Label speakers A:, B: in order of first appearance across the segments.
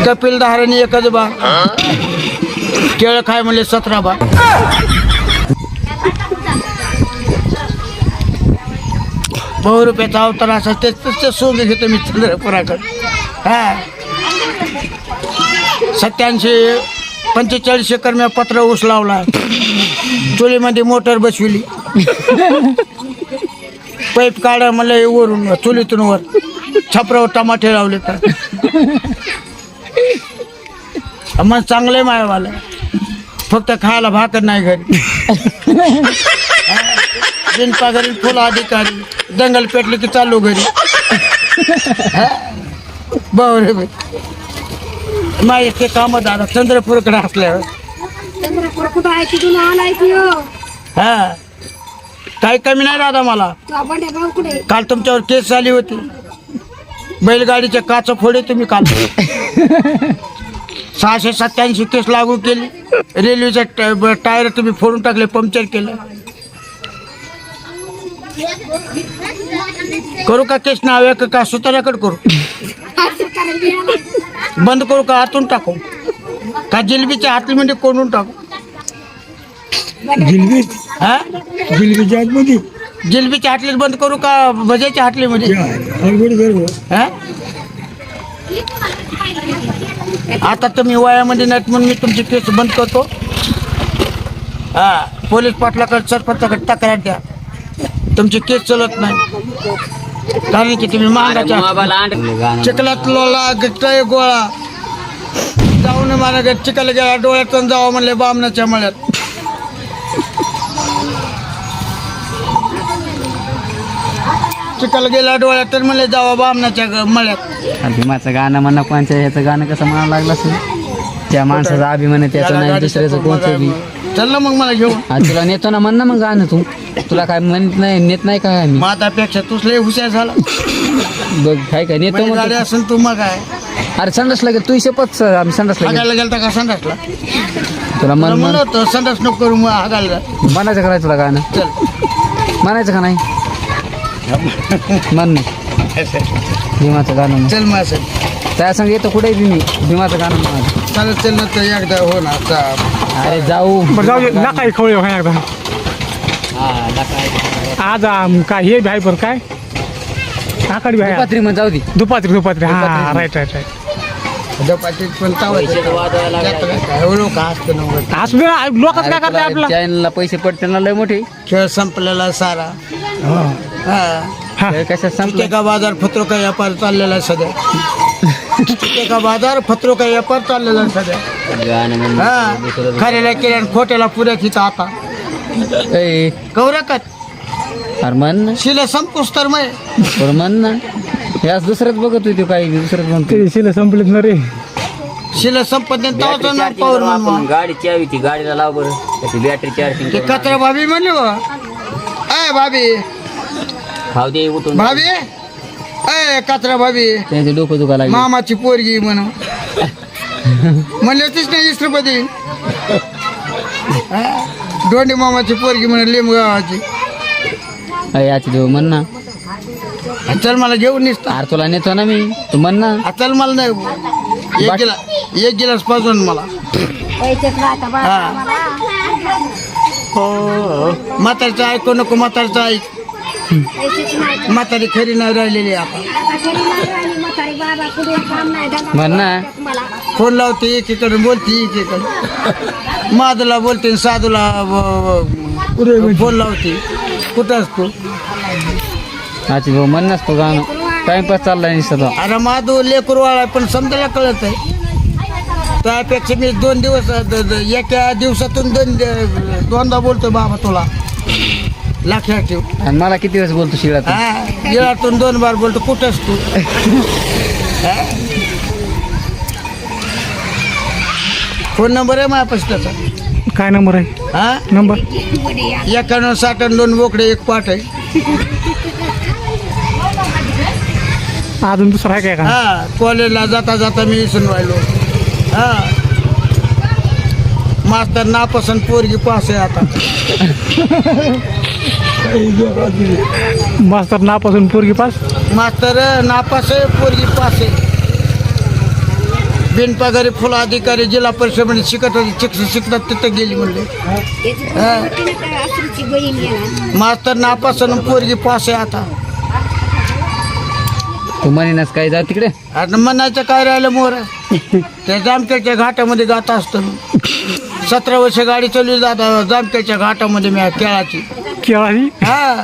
A: कपिल धाराने एकच बा केळ खाय म्हणले 17 बा. बहु रुपयाचा अवतार असा ते सोंग घेतो मी चंद्रपुराकडे. हा 87-45 एकर मी पत्र ऊस लावला. चुलीमध्ये मोटर बसविली. पाईप काढा मला वरून चुलीतून वर छपरावर टमाटे लावले. तर मग चांगलं मायवाला फक्त खायला भाकर नाही घरी. बिनपागरी फुल अधिकारी दंगल पेटली की चालू घरी. बरे माझे काम दादा चंद्रपूरकडे असल्यावर हा काही कमी नाही दादा मला. काल तुमच्यावर केस झाली होती. बैलगाडीच्या काच फोडे तुम्ही काल 687 केस लागू केली. रेल्वेचे टायर तुम्ही फोडून टाकले, पंक्चर केलं. करू का केस नाव का सुतार्याकडे करू? बंद करू का आतून टाकू का जिलबीच्या हातलीमध्ये कोंडून टाकू? हा
B: जिलबीच्या आतमध्ये
A: जिलबीच्या हाटलीत बंद करू का भज्याच्या हाटलीमध्ये? हा आता तुम्ही वयामध्ये नाहीत म्हणून मी तुमची केस बंद करतो. हा पोलीस पाटलाकडे सरपंचाकडे तक्रार द्या. तुमची केस चलत नाही कारण की तुम्ही महागाच्या चिखलात लोला गट्टाय गोळा जाऊन मला चिखल गेला डोळ्यातून जावं म्हणले बामणाच्या मळ्यात. चिखल गेला डोळ्यात तर म्हणले जावं बामणाच्या मळ्यात.
C: भीमाचं गाणं म्हणणं कोणच्या ह्याचं गाणं कसं म्हणावं लागलं असेल? त्या माणसाचा अभिमान आहे त्याचं नाही दुसऱ्याचं कोणतं बी.
A: चल ना मग मला घेऊन.
C: तुला नेतो ना म्हण ना मग गाणं तू. तुला काय म्हणत नाही नेत नाही काय आम्ही?
A: मातापेक्षा तूच लय हुशार झाला.
C: बघ काय काय नेतो मग.
A: गाडी असेल तू मग काय
C: अरे संडास लागेल तू शपथ आम्ही संडास लागेल.
A: हागायला गेलता का संडासला?
C: तुला मन
A: म्हणत होतं संडास नको करू मग हागायला.
C: म्हणायचं का नाही तुला गाणं?
A: चल
C: म्हणायचं का नाही? म्हण भीमाचं गाणं म्हण.
A: चल मग असं
C: त्या संग येतो कुठे बी मी भीमाचं गाणं म्हणायचं.
A: चालत चल ना तर एकदा हो ना.
C: अरे जाऊ
B: जाऊ ना काय खवळे एकदा आज काय हे भाई बरं काय आकडे भाई
C: दुपात्री मग जाऊ दे.
B: दुपात्री हा राईट
A: झपाटीत पण लोक असतं नव्हतं.
B: असं लोकच काय करते आपला
C: चॅनलला पैसे पडते ना लय मोठे.
A: खेळ संपलेला सारा. हा
C: कशा संपले
A: का बाजार फत्रो का व्यापार चाललेला आहे सध्या. का बाजार फत्रो का व्यापार चाललेला आहे सध्या. हा खऱ्याला केल्या खोट्याला पुऱ्या तिथं आता कवऱ्याकत
C: अरे म्हण ना
A: शिला संपूस तर मग
C: बरं म्हण ना. याच दुसरंच बघत होती काही दुसरंच म्हणतो.
B: शिले संपलेत ना रे.
A: शिला संपत नाही पावर
C: गाडी चावी ती गाडीला लाव बरं त्याची बॅटरी चार्जिंग
A: ते कचरा भाभी म्हणले बा. अय भाभी
C: खाऊ दे उठून
A: भाभी अय कचरा भाभी
C: त्याचे डोकं दुखा लागले.
A: मामाची पोरगी म्हणून म्हणले होतीच नाही 20 रुपये देईन. दोंडी मामाची पोरगी म्हणून लिंबगावाची.
C: याची देऊ म्हण ना.
A: चल मला घेऊन निसता.
C: अरे तुला नेतो ना मी तू म्हण ना.
A: चल मला नाही एक गिलास पाजून मला. म्हातारीचं ऐकू नको. म्हातारीचं ऐक. म्हातारी खरी नाही राहिलेली आता.
C: म्हण ना.
A: फोन लावते एकीकडे बोलते एकीकडे. माधूला बोलते साधूला फोन लावते. कुठं असतो?
C: याची देऊ म्हण नसतो गाणं. टाइमपास चाललाय निसतो.
A: अरे माधू लेकरवाळा पण समजायला कळत आहे. त्यापेक्षा मी 2 दिवस एका दिवसातून दोनदा बोलतो बाबा तुला. लक्षात ठेव.
C: आणि मला किती वेळेस बोलतो शिळात?
A: हा गिळातून 2 बार बोलतो. कुठंच तू? फोन नंबर आहे माझ्यापाशी त्याचा.
B: काय नंबर आहे?
A: हा
B: नंबर
A: 91-62 बोकडे 1 पाठ आहे.
B: अजून दुसरा आहे काय का?
A: हा कॉलेजला जाता जाता मी विसरून राहिलो. हा मास्तर नापसंत पोरगी पास आहे आता.
B: मास्तर नापासून पोरगी पास.
A: मास्तर नापास आहे पोरगी पास आहे. बिनपगारी फुल अधिकारी जिल्हा परिषदेमध्ये शिकत होती शिकतात तिथं गेली म्हणले. मास्तर नापासून पोरगी पास आहे आता.
C: तू म्हणेनच काय जा तिकडे.
A: आता म्हणायचं काय राहिलं मोर त्या जामखेडच्या घाटामध्ये जात असतो. 17 वर्ष गाडी चालवली जात जामखेडच्या घाटामध्ये मी केळाची.
B: केळाची
A: हा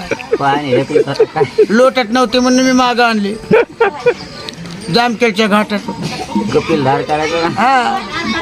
A: लोटत नव्हती म्हणून मी मागं आणली जामखेडच्या घाटात.
C: कपिल धार करायचं
A: हा